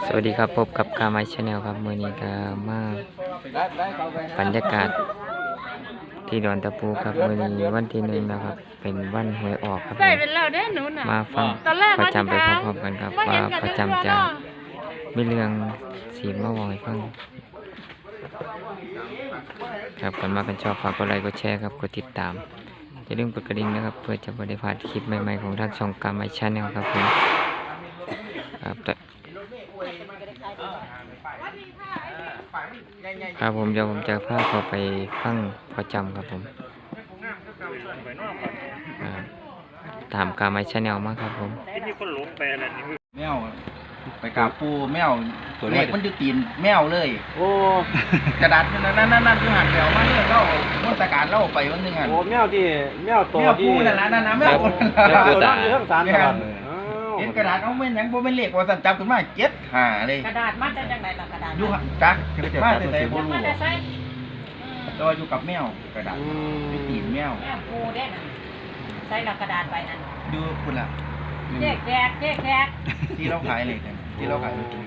สวัสดีครับพบกับกาไมชาแนลครับมื้อนี้ก็มาบรรยากาศที่ดอนตะปูครับมื้อนี้วันที่1นะครับเป็นวันหวยออกครับมาฟังประจำไปพร้อมๆกันครับว่าประจำจะมีเรื่องสีมาบอกให้ฟังครับกันมากันชอบฝากกดไลค์กดแชร์ครับกดติดตามอย่าลืมกดกระดิ่งนะครับเพื่อจะไม่ได้พลาดคลิปใหม่ๆของทางช่องกาไมชาแนลครับผมครับผมเดี๋ยวผมจะพาเขาไปฟังประจำครับผมตามกาไมชาแนลมาครับผมแมวไปกราบปูแมวเลขมันอยู่ตีนแมวเลยโอ้กระดาษนั่นอยู่หันแถวมาเนี่ยเราม้วนตะการเล่าไปวันนึงหันโอ้แมวที่แมวตัวที่นั่นนะแมวตัวนั่นอยู่ทั้งสารตลอดเห็นกระดาษเอาเป็นหยังบ่เป็นเลขว่าสั่นจับขึ้นมา7-5เลยกระดาษมาจากไหนล่ะกระดาษอยู่จักมาแต่ไหนบ่รู้แต่ว่าอยู่กับแมวกระดาษอยู่ตีนแมวปูได้น่ะใส่ละกระดาษไปนั่นอยู่พุ่นล่ะแจกที่เราขายเลยกันที่เราขายเลย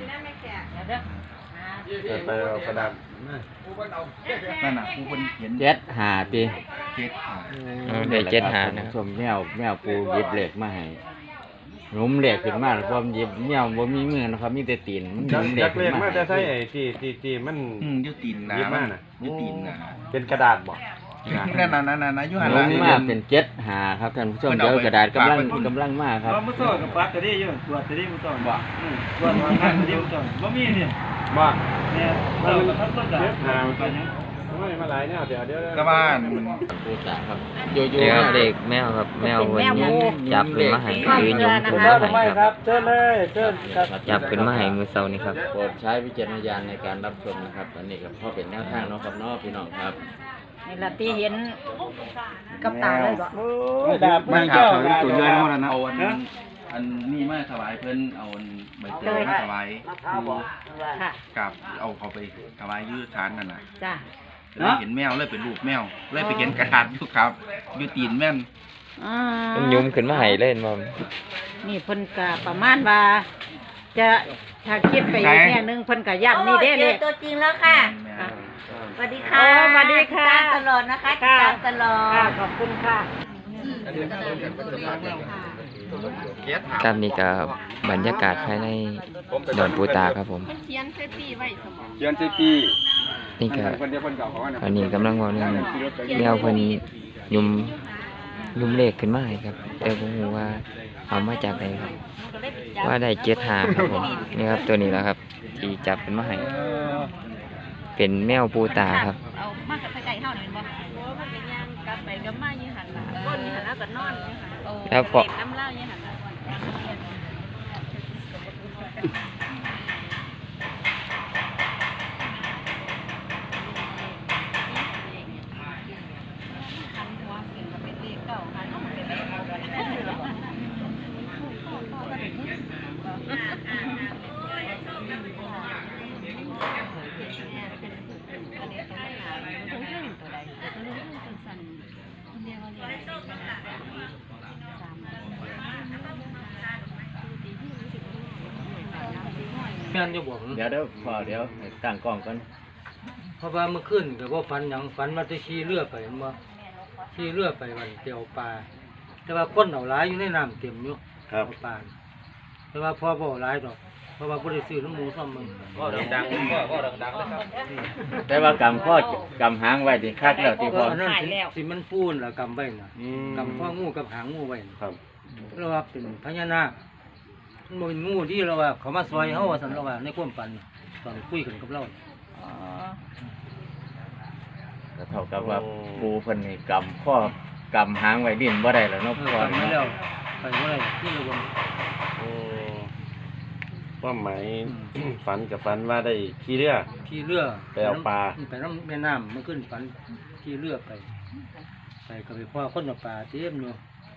ไปเอากระดาษนั่นน่ะผู้คนเขียน 7-5ปีได้ 7-5นะสมแมวปูหยิบเหล็กมาให้หนุ่มเหล็กขึ้นมาแล้วพอหยิบแมวบ่มีมือนะครับมีแต่ตีนมันเหล็กมาจะใช้ไอ้ที่มันอยู่ตีนนะอยู่ตีนนะเป็นกระดาษบ่นั่นอยู่หันหลังมาเป็น7-5ครับท่านผู้ชมเดี๋ยวกระดาษกำลังมาครับมื้อซ้อกับปัดตะดิอยู่ตรวจตะดิมื้อซ้อบ่ตรวจว่าตะดิมื้อซ้อบ่มีนี่บ่เนี่ยเราก็ทำต้น7-5ไปยังไม่มาหลายแนวเดี๋ยวกระบ้านปูตาครับเด็กแมวครับแมววันนี้จับขึ้นมาให้ยืนยงขึ้นมาให้ครับเชิญเลยเชิญจับขึ้นมาให้มือเสานี่ครับโปรดใช้วิจารณญาณในการรับชมนะครับอันนี้ก็พอเป็นแนวทางเนาะครับเนาะพี่น้องครับนี่ล่ะที่เห็นกับตาเลยบ่มันข่าวตัวเยอะหมดแล้วนะอันนี้มาถวายเพิ่นเอาใบเตยมาถวายกับเอาเขาไปถวายยืดฐานนั่นน่ะจ้ะเลยเห็นแมวเลยเป็นรูปแมวเลยไปเห็นกระดาษอยู่ครับอยู่ตีนแม่นมันยุ่มขึ้นมาให้เล่นบ่นี่เพิ่นก็ประมาณว่าจะถ้าคิดไปอีกแง่นึงเพิ่นก็ย้ำนี่เด้เลยตัวจริงแล้วค่ะสวัสดีค่ะสวัสดีค่ะตลอดนะคะติดตามตลอดขอบคุณค่ะครับนี่ก็บรรยากาศภายในดอนปูตาครับผมเขียนเซปีนี่ก็อันนี้กำลังว่าเรื่องแนวเพิ่นยุ่มเลขขึ้นมาให้ครับแต่ผมรู้ว่าเอามาจากไหนครับว่าได้7-5ครับผมนี่ครับตัวนี้แหละครับที่จับขึ้นมาให้เป็นแมวปูตาครับเอามากับไก่เฮานี่บ่โอ้มันเป็นย่างกลับไปกลับมาอยู่หั่นล่ะก้นอยู่หั่นแล้วก็นอนอยู่หั่นแล้วพอน้ำเล่าอยู่หั่นล่ะเดี๋ยวพอเดี๋ยวตั้งกล้องกันเพราะว่าเมื่อคืนก็บ่ฝันหยังฝันว่าจะขี่เรือไปบ่ขี่เรือไปวันเที่ยวปลาแต่ว่าคนเอาหลายอยู่ในน้ำเต็มอยู่ครับปลาแต่ว่าพอบ่หลายดอกเพราะว่าบ่ได้ซื้อน้ำหมูซ้ำมึงก็ดังก็ดังเลยครับแต่ว่ากำข้อกำหางไว้ที่คักแล้วที่พอสิมันปูนแล้วกำไว้น่ะกำข้องูกับหางงูไว้ครับเราว่าเป็นพญานาคมันบ่เป็นงูที่เราว่าเขามาซอยเฮาว่าซั่นเราว่าในความฝันตอนคุยกันกับเราก็เท่ากับว่าปูเพิ่นนี่กำหางไว้ดิ้นบ่ได้แล้วเนาะพ่อไม่แล้วไปบ่ได้ที่ระวังว่าหมายฝันกับฝันว่าได้ขี่เรือไปเอาปลาไปน้ำแม่น้ำมันขึ้นฝันขี่เรือไปก็ไปพ่อคนเอาปลาเต็มอยู่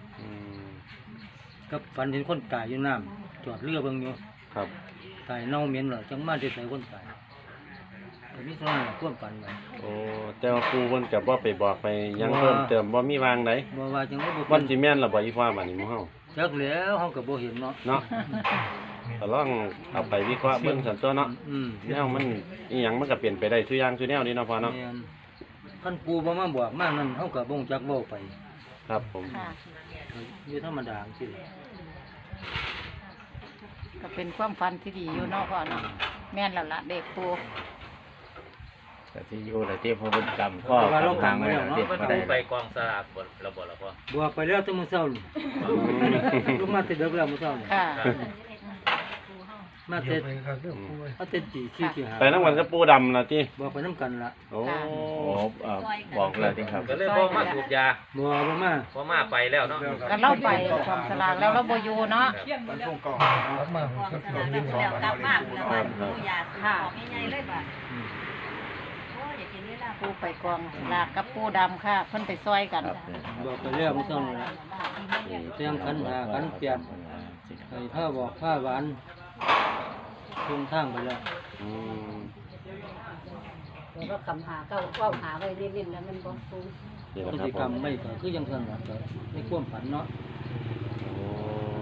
ก็ฝันเห็นคนตายอยู่น้ำจอดเรือเบิ่งอยู่ครับตายเน่าเหม็นหรอจังมาได้ใส่คนตายแต่นี่ส่วนนั้นควบฝันไว้โอ้แต่ว่าครูเพิ่นก็บ่ไปบอกไปยังเพิ่มเติมบ่มีวางไหนบ่ว่าจังบ่วันสิแม่นล่ะบ่อีฟ้าบัดนี้หมู่เฮาจักแล้วเฮาก็บ่เห็นเนาะก็ลองเอาไปวิเคราะห์เบิ่งสันตัวเนาะ แนวมันอีหยังมันก็เปลี่ยนไปได้ซุอย่างซุแนวนี่เนาะพ่อเนาะแม่นคันปูบ่มาบอกมานั่นเฮาก็บ่รู้จักเว้าไปครับผมค่ะอยู่ธรรมดาจังซี่ก็เป็นความฝันที่ดีอยู่เนาะพ่อเนาะแม่นแล้วล่ะเด็กปูก็สิอยู่แต่ที่พอเพิ่นกำข้อกำทางไว้แล้วเด็ดบ่ได้ไปกองสลากบระบบแล้วพ่อบอกไปแล้วแต่มื้อเช้านี่ลงมาแต่ดึกแล้วมื้อเช้านี่ค่ะมาแต่ตี4ตี5 ไปนำกันกับปูดำล่ะติบอกไปนํกันล่ะโอ้โอ้บอกแล้วที่ครับก็เลยบอกมาสูบยาบ่มาเพราะมาไปแล้วเนาะก็เล่าไปความสลากแล้วเราบ่อยู่เนาะครับค่ะ ปูไปกองสลากกับปูดำค่ะเพิ่นไปซอยกันครับเนี่ยบอกไปแล้วมื้อเช้านี่ล่ะเตรียมขันหาขันเปียกให้ผ้าบอกผ้าหวานลงทางไปแล้วอืมแล้วก็คำหาก็ว่าหาไว้เล่นๆแล้วมันบ่ฟูงนี่พแหฤละคติกรรัรบมผมไม่ก็คือยังซั่นล่ะก็ในความฝันเนาะโอ้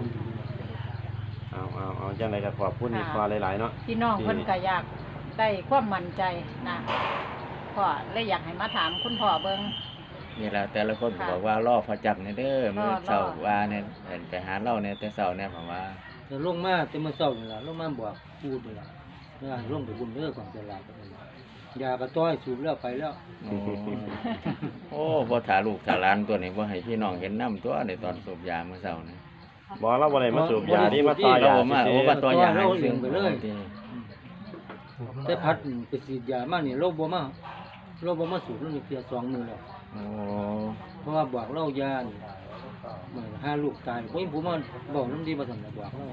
เอาจังไดก็ขอบคุณอีกพอหลายๆเนาะพี่น้องเพิ่นก็อยากได้ความมั่นใจนะพ่อเลยอยากให้มาถามคุณพ่อเบิ่งนี่แหละแต่ละคนก็บอกว่ารอพอจับเนี่ยเด้อมื้อเช้าว่าเนี่ยเห็นไปหาเราเนี่ยแต่เช้าเนี่ยผมว่าแต่ลงมาแต่มื้อเช้านี่ล่ะลงมาบอกพูดนี่ล่ะว่าลงไปบุญเด้อของตลาดนั่นล่ะยากระต้อยสูบแล้วไปแล้วโอ้โอ้บ่ถ่าลูกถ่าหลานตัวนี้บ่ให้พี่น้องเห็นน้ำตัวในตอนสูบยามื้อเช้านี่บ่เราบ่ได้มาสูบยานี่มาต่อยาเรามาซื่โอ้อว่าตัวยาให้เราซึ่งไปเลย แต่พัดไปฉีดยามานี่เราบ่มาสูบแล้วนี่เพีย2 มื้อแล้วโอ้เพราะว่าบอกเรายานี่เหมือนหาลูกตายผมมาบอกน้ำดีมาสั่นบอกเรา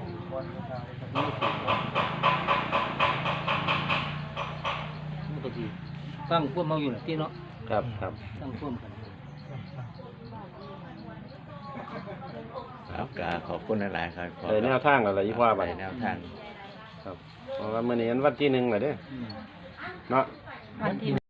มันก็สิฟังพวกเมาอยู่น่ะที่เนาะๆครับครับฟังพวกกันครับก็ขอบคุณหลายๆครับขอได้แนวทางแล้วล่ะอีพ่อบัดได้แนวทางครับเพราะว่ามื้อนี้วันที่1แล้วเด้ออืมเนาะวันที่